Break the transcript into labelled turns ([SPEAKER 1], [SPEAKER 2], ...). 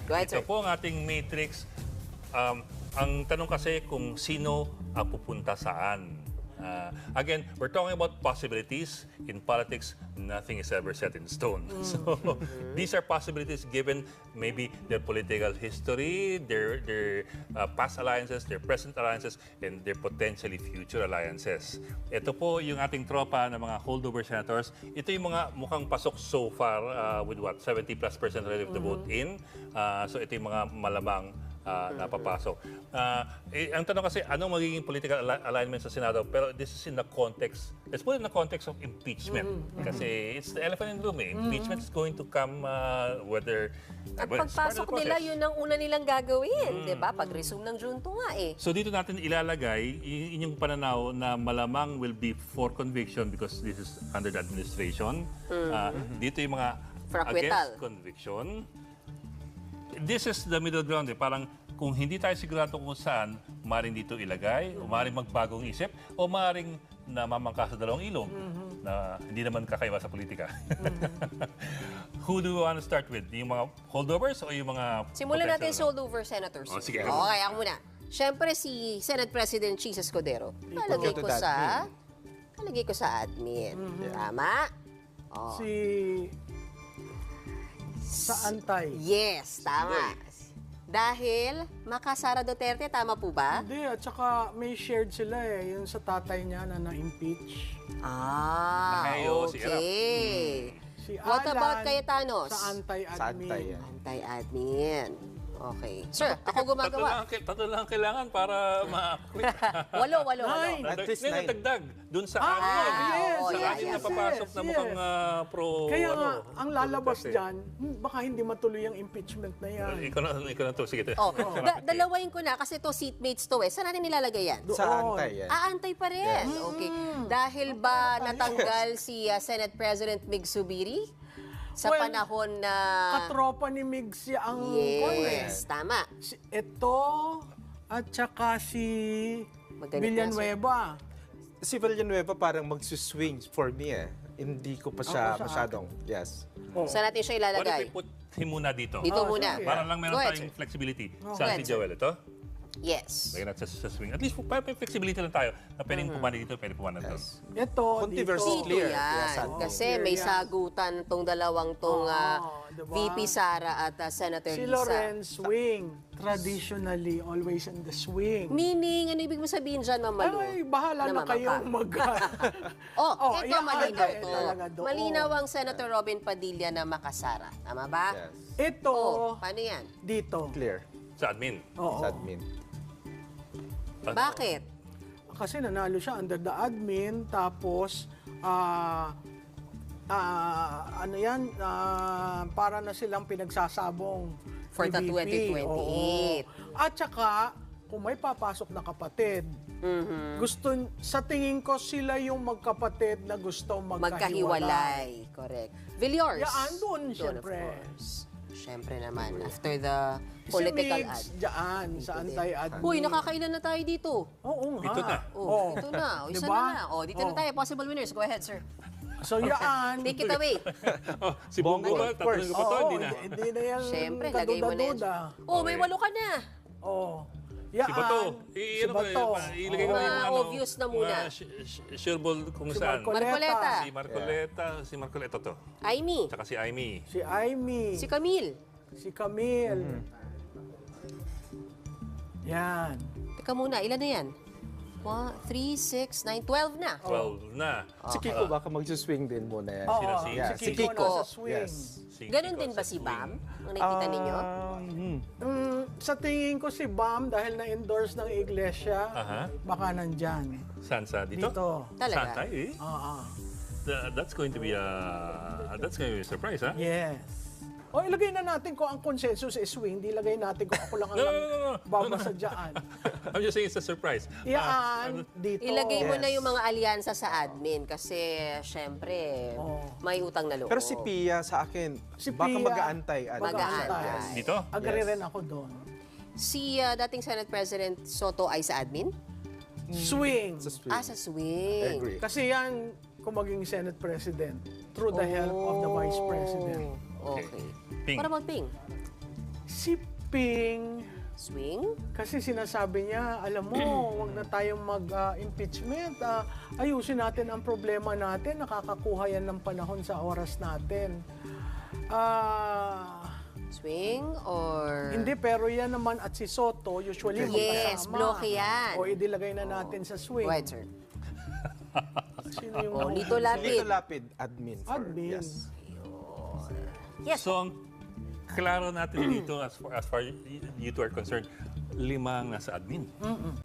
[SPEAKER 1] Go ahead,
[SPEAKER 2] Ito
[SPEAKER 1] sir.
[SPEAKER 2] po ang ating matrix. Ang tanong kasi kung sino pupunta saan. Again, we're talking about possibilities. In politics, nothing is ever set in stone. So these are possibilities given maybe their political history, their past alliances, their present alliances, and their potentially future alliances. Ito po yung ating tropa ng mga holdover senators. Ito yung mga mukhang pasok so far with what? 70+% relative to vote in. So ito yung mga malamang napapasok. Ang tanong kasi, anong magiging political alignment sa Senado? Pero this is in the context, let's put it in the context of impeachment. Kasi it's the elephant in the room. Impeachment is going to come whether...
[SPEAKER 1] At
[SPEAKER 2] well, it's part of
[SPEAKER 1] pagpasok
[SPEAKER 2] the
[SPEAKER 1] nila,
[SPEAKER 2] process.
[SPEAKER 1] yun ang una nilang gagawin, di ba? Pag-resume ng Junto nga eh.
[SPEAKER 2] So dito natin ilalagay inyong pananaw na malamang will be for conviction because this is under the administration. Dito yung mga
[SPEAKER 1] For acquittal.
[SPEAKER 2] against conviction. This is the middle ground. Parang kung hindi tayo sigurado kung saan, maaaring dito ilagay, o maaaring magbagong isip, o maaaring namamangka sa dalawang ilog na hindi naman kakaiba sa politika. Who do we want to start with? Yung mga holdovers o yung mga...
[SPEAKER 1] Simulan natin
[SPEAKER 2] potential
[SPEAKER 1] sa holdover senators.
[SPEAKER 2] Oh, sige.
[SPEAKER 1] Okay, ako muna. Siyempre si Senate President Cheese Escudero. Kalagay
[SPEAKER 3] to
[SPEAKER 1] ko
[SPEAKER 3] the
[SPEAKER 1] sa admin. Tama? Oh.
[SPEAKER 4] Sa antay.
[SPEAKER 1] Yes, tama. Dahil Makasara Duterte, tama po ba?
[SPEAKER 4] Hindi, at saka may shared sila yung sa tatay niya na na-impeach.
[SPEAKER 2] Nakayo, si Erap.
[SPEAKER 1] okay.
[SPEAKER 4] Si
[SPEAKER 1] What
[SPEAKER 4] Alan,
[SPEAKER 1] about Cayetanos?
[SPEAKER 4] Sa antay-admin.
[SPEAKER 3] Sa antay, yan.
[SPEAKER 1] Anti-admin. Okay. Sir, ako gumagawa.
[SPEAKER 2] Tatlo lang kailangan para ma-quit.
[SPEAKER 1] Walo.
[SPEAKER 4] Nine.
[SPEAKER 3] At least
[SPEAKER 2] Ngayon,
[SPEAKER 3] nine.
[SPEAKER 2] dagdag. Doon sa
[SPEAKER 4] Ah,
[SPEAKER 2] amin.
[SPEAKER 4] yes,
[SPEAKER 2] sa
[SPEAKER 1] yes,
[SPEAKER 2] amin
[SPEAKER 1] yes,
[SPEAKER 2] na papasok na
[SPEAKER 4] yes.
[SPEAKER 2] mukhang pro...
[SPEAKER 4] Kaya nga,
[SPEAKER 2] ano,
[SPEAKER 4] ang lalabas
[SPEAKER 2] Duterte.
[SPEAKER 4] dyan, baka hindi matuloy ang impeachment na yan.
[SPEAKER 2] Ikaw na to. Sige.
[SPEAKER 1] Oh, dalawain ko na kasi to seatmates to eh. Saan natin nilalagay yan?
[SPEAKER 3] Sa
[SPEAKER 4] Doon.
[SPEAKER 3] antay yan.
[SPEAKER 1] Aantay pa rin. Okay. Dahil ba natanggal si Senate President Mig Zubiri sa
[SPEAKER 4] Well,
[SPEAKER 1] panahon na...
[SPEAKER 4] Katropa ni Migs ang
[SPEAKER 1] Yes, tama.
[SPEAKER 4] Ito, at saka si
[SPEAKER 1] Maganit
[SPEAKER 4] Villanueva.
[SPEAKER 3] Si Villanueva parang magsuswing for me eh. Hindi ko pa siya
[SPEAKER 4] Ako sa
[SPEAKER 3] masyadong, yes.
[SPEAKER 1] Saan natin siya
[SPEAKER 2] What if
[SPEAKER 1] ilalagay?
[SPEAKER 2] we put him muna dito?
[SPEAKER 1] Dito
[SPEAKER 4] Oh,
[SPEAKER 1] muna.
[SPEAKER 4] sige.
[SPEAKER 2] Para lang meron
[SPEAKER 1] Go ahead,
[SPEAKER 2] tayong
[SPEAKER 1] sir.
[SPEAKER 2] flexibility.
[SPEAKER 1] Go
[SPEAKER 2] Saan
[SPEAKER 1] ahead,
[SPEAKER 2] si Joel ito?
[SPEAKER 1] Yes.
[SPEAKER 2] Lagyan natin sa swing. At least para may flexibility lang tayo na pwedeng pumana dito, pwedeng pumana dito.
[SPEAKER 4] Ito,
[SPEAKER 3] Controversy
[SPEAKER 4] dito.
[SPEAKER 1] Dito
[SPEAKER 3] clear.
[SPEAKER 1] yan.
[SPEAKER 3] Yes,
[SPEAKER 1] Kasi
[SPEAKER 4] clear
[SPEAKER 1] may
[SPEAKER 4] yan.
[SPEAKER 1] sagutan tong dalawang tong
[SPEAKER 4] diba?
[SPEAKER 1] VP Sara at Senator
[SPEAKER 4] Si
[SPEAKER 1] Lisa.
[SPEAKER 4] Lorenz swing. Traditionally, always in the swing.
[SPEAKER 1] Meaning, ano ibig mo sabihin dyan, Ma'am Malu?
[SPEAKER 4] Ay, bahala na
[SPEAKER 1] Namamangka.
[SPEAKER 4] kayong mag...
[SPEAKER 1] Oh, ito
[SPEAKER 4] yan,
[SPEAKER 1] malinaw
[SPEAKER 4] ay,
[SPEAKER 1] to.
[SPEAKER 4] talaga doon.
[SPEAKER 1] Malinaw ang Senator Robin Padilla na Makasara. Tama ba?
[SPEAKER 3] Yes.
[SPEAKER 4] Ito,
[SPEAKER 1] Oh, paano yan?
[SPEAKER 4] dito.
[SPEAKER 3] Clear.
[SPEAKER 2] Sa admin.
[SPEAKER 4] Oo.
[SPEAKER 3] Sa admin.
[SPEAKER 1] Bakit?
[SPEAKER 4] Kasi nanalo siya under the admin, tapos, ano yan, para na silang pinagsasabong
[SPEAKER 1] For
[SPEAKER 4] ni
[SPEAKER 1] the
[SPEAKER 4] VP.
[SPEAKER 1] 2028.
[SPEAKER 4] Oo. At saka, kung may papasok na kapatid, gusto, sa tingin ko sila yung magkapatid na gusto magkahiwalay.
[SPEAKER 1] Magkahiwalay. Correct. Villors.
[SPEAKER 4] Yan, doon,
[SPEAKER 1] Of
[SPEAKER 4] syempre.
[SPEAKER 1] course. Syempre naman. After the
[SPEAKER 4] Si
[SPEAKER 1] political
[SPEAKER 4] Migs,
[SPEAKER 1] ad.
[SPEAKER 4] dyan, sa anti-admin.
[SPEAKER 1] Uy, nakakailan na tayo dito.
[SPEAKER 4] Oo nga.
[SPEAKER 2] Ito na.
[SPEAKER 1] Oh, ito na. O, isa
[SPEAKER 4] Diba?
[SPEAKER 1] na. O, dito na tayo. Possible winners. Go ahead, sir.
[SPEAKER 4] So yan.
[SPEAKER 1] Take it away.
[SPEAKER 2] Oh, si Bongo ba?
[SPEAKER 3] Of course.
[SPEAKER 2] Tatanungin ko pa to,
[SPEAKER 4] Oo,
[SPEAKER 2] hindi na.
[SPEAKER 4] hindi na yan
[SPEAKER 1] Syempre, lagay mo na yan.
[SPEAKER 4] kaduda-duda.
[SPEAKER 1] Oh, may 8 ka na.
[SPEAKER 4] Oo. Yan.
[SPEAKER 2] Si Bato.
[SPEAKER 4] Si Bato.
[SPEAKER 2] Ilagay ko na yung
[SPEAKER 1] Mga
[SPEAKER 2] ano.
[SPEAKER 1] obvious na muna.
[SPEAKER 2] Sure ball kung
[SPEAKER 4] Si
[SPEAKER 2] saan.
[SPEAKER 1] Marcoleta.
[SPEAKER 2] Si Marcoleta to.
[SPEAKER 1] Aimee.
[SPEAKER 2] Tsaka si Aimee.
[SPEAKER 4] Si Aimee.
[SPEAKER 1] Si Camille.
[SPEAKER 4] Si Camille. Yan.
[SPEAKER 1] Teka muna, ilan na yan? 1, 3, 6, 9, 12 na.
[SPEAKER 2] 12 na.
[SPEAKER 3] Si Kiko baka magsuswing din muna yan.
[SPEAKER 4] Oo,
[SPEAKER 2] Sino si-
[SPEAKER 3] Yeah,
[SPEAKER 4] si
[SPEAKER 3] si
[SPEAKER 4] Kiko
[SPEAKER 3] Kiko.
[SPEAKER 4] nasa swing.
[SPEAKER 3] Yes.
[SPEAKER 2] Si
[SPEAKER 1] Ganon
[SPEAKER 2] Kiko
[SPEAKER 1] din
[SPEAKER 2] sa
[SPEAKER 1] ba si
[SPEAKER 2] swing.
[SPEAKER 1] Bam? Ang nakikita ninyo?
[SPEAKER 4] Sa tingin ko si Bam, dahil na-endorse ng iglesia,
[SPEAKER 2] Aha.
[SPEAKER 4] baka nandyan.
[SPEAKER 2] Saan sa dito?
[SPEAKER 4] Dito.
[SPEAKER 1] Talaga?
[SPEAKER 2] Saan tayo eh?
[SPEAKER 4] Oo.
[SPEAKER 2] That's going to be a surprise, ha?
[SPEAKER 4] Yes. O, ilagay na natin kung ang consensus is swing, di ilagay natin kung ako lang ang
[SPEAKER 2] No.
[SPEAKER 4] babasadyaan.
[SPEAKER 2] I'm just saying it's a surprise.
[SPEAKER 4] Yan, dito.
[SPEAKER 1] Ilagay mo
[SPEAKER 3] Yes.
[SPEAKER 1] na yung mga alyansa sa admin kasi syempre may utang na loob.
[SPEAKER 3] Pero si Pia sa akin,
[SPEAKER 4] Si
[SPEAKER 3] baka
[SPEAKER 4] Pia,
[SPEAKER 3] mag-aantay.
[SPEAKER 1] mag-aantay.
[SPEAKER 3] Yes.
[SPEAKER 2] Dito?
[SPEAKER 4] Agree
[SPEAKER 3] Yes.
[SPEAKER 4] rin ako doon.
[SPEAKER 1] Si dating Senate President Soto ay sa admin?
[SPEAKER 4] Swing.
[SPEAKER 3] Sa swing.
[SPEAKER 1] Sa swing.
[SPEAKER 3] Agree.
[SPEAKER 4] Kasi yan, kung maging Senate President, through the help of the Vice President.
[SPEAKER 1] Okay.
[SPEAKER 2] Ping.
[SPEAKER 1] Para mag-ping.
[SPEAKER 4] Si Ping,
[SPEAKER 1] Swing?
[SPEAKER 4] kasi sinasabi niya, alam mo, wag na tayong mag-impeachment. Ayusin natin ang problema natin. Nakakakuha yan ng panahon sa oras natin.
[SPEAKER 1] Swing or...
[SPEAKER 4] Hindi, pero yan naman at si Soto, usually
[SPEAKER 1] Yes,
[SPEAKER 4] magkasama.
[SPEAKER 1] bloke yan.
[SPEAKER 4] O idilagay na natin sa swing.
[SPEAKER 1] Right, sir.
[SPEAKER 4] Sino yung
[SPEAKER 1] Oh, Lito Lapid.
[SPEAKER 3] Lito Lapid, admin.
[SPEAKER 4] Admin.
[SPEAKER 3] Yes.
[SPEAKER 1] Yes.
[SPEAKER 2] So, ang klaro natin dito as far you two are concerned, 5 ang nasa admin.